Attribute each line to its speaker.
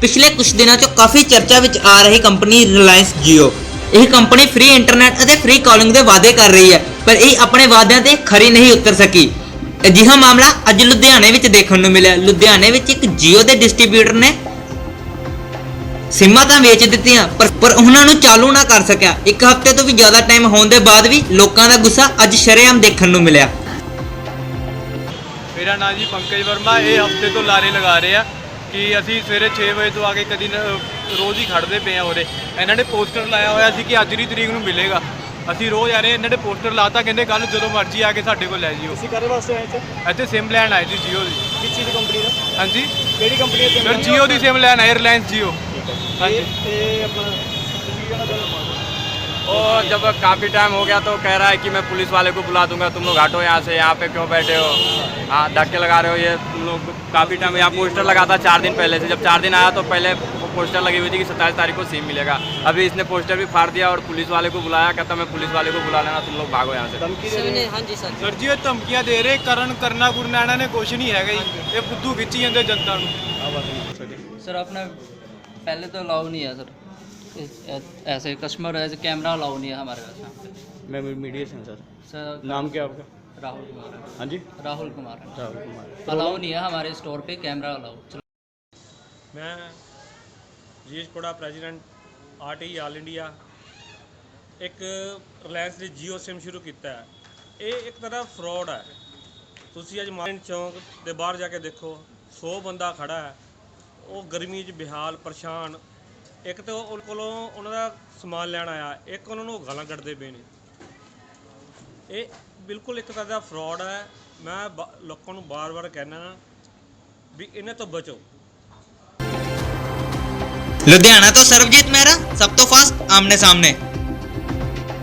Speaker 1: ਪਿਛਲੇ ਕੁਝ ਦਿਨਾਂ ਤੋਂ ਕਾਫੀ ਚਰਚਾ ਵਿੱਚ ਆ ਰਹੀ ਕੰਪਨੀ ਰਿਲਾਇੰਸ ਜੀਓ। ਇਹ ਕੰਪਨੀ ਫ੍ਰੀ ਇੰਟਰਨੈਟ ਅਤੇ ਫ੍ਰੀ ਕਾਲਿੰਗ ਦੇ ਵਾਅਦੇ ਕਰ ਰਹੀ ਹੈ, ਪਰ ਇਹ ਆਪਣੇ ਵਾਅਦਿਆਂ ਤੇ ਖਰੀ ਨਹੀਂ ਉਤਰ ਸਕੀ। ਅਜਿਹਾ ਮਾਮਲਾ ਅੱਜ ਲੁਧਿਆਣੇ ਵਿੱਚ ਦੇਖਣ ਨੂੰ ਮਿਲਿਆ। ਲੁਧਿਆਣੇ ਵਿੱਚ ਇੱਕ ਜੀਓ ਦੇ ਡਿਸਟ੍ਰੀਬਿਊਟਰ ਨੇ ਸਿਮਾਂ ਤਾਂ ਵੇਚ ਦਿੱਤੀਆਂ, ਪਰ ਉਹਨਾਂ ਨੂੰ ਚਾਲੂ ਨਾ ਕਰ ਸਕਿਆ। ਇੱਕ ਹਫ਼ਤੇ ਤੋਂ ਵੀ ਜ਼ਿਆਦਾ ਟਾਈਮ ਹੋਣ ਦੇ ਬਾਅਦ ਵੀ ਲੋਕਾਂ ਦਾ ਗੁੱਸਾ ਅੱਜ ਸ਼ਰੇਆਮ ਦੇਖਣ ਨੂੰ ਮਿਲਿਆ।
Speaker 2: ਮੇਰਾ ਨਾਮ ਜੀ ਪੰਕਜ ਵਰਮਾ। ਇਹ ਹਫ਼ਤੇ ਤੋਂ ਲਾਰੇ ਲਗਾ ਰਹੇ ਆ ਕਿ ਅਸੀਂ ਸਵੇਰੇ 6 ਵਜੇ ਤੋਂ ਆ ਕੇ ਕਦੀ ਰੋਜ਼ ਹੀ ਖੜਦੇ ਪਏ ਆ ਉਰੇ। ਇਹਨਾਂ ਨੇ ਪੋਸਟਰ ਲਾਇਆ ਹੋਇਆ ਸੀ ਕਿ ਅੱਜ ਦੀ ਤਰੀਕ ਨੂੰ ਮਿਲੇਗਾ। ਅਸੀਂ ਰੋਜ਼ ਆ ਰਹੇ, ਇਹਨਾਂ ਨੇ ਪੋਸਟਰ ਲਾਤਾ, ਕਹਿੰਦੇ ਕੱਲ ਜਦੋਂ ਮਰਜ਼ੀ ਆ ਕੇ ਸਾਡੇ ਕੋਲ ਲੈ ਜਿਓ।
Speaker 3: ਤੁਸੀਂ ਕਾਹਦੇ ਵਾਸਤੇ ਆਏ
Speaker 2: ਇੱਥੇ ਸਿਮ ਲੈਣ ਆਏ ਸੀ ਜੀਓ ਦੀ।
Speaker 3: ਕਿਸ ਚੀਜ਼ ਦੀ ਕੰਪਨੀ ਦਾ?
Speaker 2: ਹਾਂਜੀ,
Speaker 3: ਕਿਹੜੀ ਕੰਪਨੀ ਦੀ?
Speaker 2: ਸਰ ਜੀਓ ਦੀ ਸਿਮ ਲੈਣ ਆਏ, ਰਿਲਾਇੰਸ ਜੀਓ।
Speaker 3: ਹਾਂਜੀ ਤੇ ਆਪਣਾ
Speaker 4: और जब काफ़ी टाइम हो गया तो कह रहा है कि मैं पुलिस वाले को बुला दूंगा, तुम लोग हटो यहाँ से, यहाँ पे क्यों बैठे हो, हाँ धक्के लगा रहे हो। ये तुम लोग काफ़ी टाइम यहाँ पोस्टर लगा था 4 दिन पहले से। जब 4 दिन आया तो पहले पोस्टर लगी हुई थी कि 27 तारीख को सिम मिलेगा। अभी इसने पोस्टर भी फाड़ दिया और पुलिस वाले को बुलाया। कहता मैं पुलिस वाले को बुला लेना, तुम लोग भागो यहाँ से।
Speaker 3: ਧਮਕੀ ਦੇ ਰਹੇ?
Speaker 5: ਹਾਂਜੀ ਸਰ
Speaker 2: ਸਰ ਜੀ ਇਹ ਧਮਕੀਆਂ ਦੇ ਰਹੇ, ਕਰਨਾ ਕੁਰਨਾ ਇਹਨਾਂ ਨੇ ਕੁਛ ਨਹੀਂ ਹੈਗਾ ਜੀ। ਇਹ ਫੁੱਦੂ ਖਿੱਚੀ ਜਾਂਦੇ ਜਨਤਾ ਨੂੰ।
Speaker 5: सर अपना पहले तो अलाउ नहीं है सर, ऐसे कस्टमर एज कैमरा अलाउ नहीं है हमारे पास यहाँ पे।
Speaker 3: मैं मीडिया से हूँ सर।
Speaker 5: सर
Speaker 3: नाम क्या आपका?
Speaker 5: राहुल कुमार है।
Speaker 3: हाँ जी,
Speaker 5: राहुल कुमार है।
Speaker 3: राहुल कुमार।
Speaker 5: अलाउ नहीं है हमारे स्टोर पे कैमरा अलाउ।
Speaker 6: मैं ਜੀਐਸਪੋੜਾ ਪ੍ਰੈਜ਼ੀਡੈਂਟ ਆਰਟੀ ਆਲ ਇੰਡੀਆ। ਇੱਕ ਰਿਲਾਇੰਸ ਨੇ ਜੀਓ ਸਿਮ ਸ਼ੁਰੂ ਕੀਤਾ ਹੈ। ਇਹ ਇੱਕ ਤਰ੍ਹਾਂ ਫਰਾਡ ਹੈ। ਤੁਸੀਂ ਅੱਜ ਮਾਰਕੀਟ ਚੌਂਕ ਦੇ ਬਾਹਰ ਜਾ ਕੇ ਦੇਖੋ, 100 ਬੰਦਾ ਖੜਾ ਹੈ। ਉਹ ਗਰਮੀ 'ਚ ਬਿਹਾਲ ਪਰੇਸ਼ਾਨ। ਇੱਕ ਤਾਂ ਉਹ ਕੋਲੋਂ ਉਹਨਾਂ ਦਾ ਸਮਾਨ ਲੈਣ ਆਇਆ, ਇੱਕ ਉਹਨਾਂ ਨੂੰ ਗਾਲਾਂ ਕੱਢਦੇ ਪਏ ਨੇ। ਇਹ ਬਿਲਕੁਲ ਇੱਕ ਤਰ੍ਹਾਂ ਦਾ ਫਰਾਡ ਹੈ। ਮੈਂ ਲੋਕਾਂ ਨੂੰ ਬਾਰ-ਬਾਰ ਕਹਿਣਾ ਵੀ ਇਹਨਾਂ ਤੋਂ ਬਚੋ।
Speaker 1: ਲੁਧਿਆਣਾ ਤੋਂ ਸਰਬਜੀਤ ਮਹਿਰਾ, ਸਭ ਤੋਂ ਫਾਸਟ ਆਮਨੇ ਸਾਹਮਣੇ।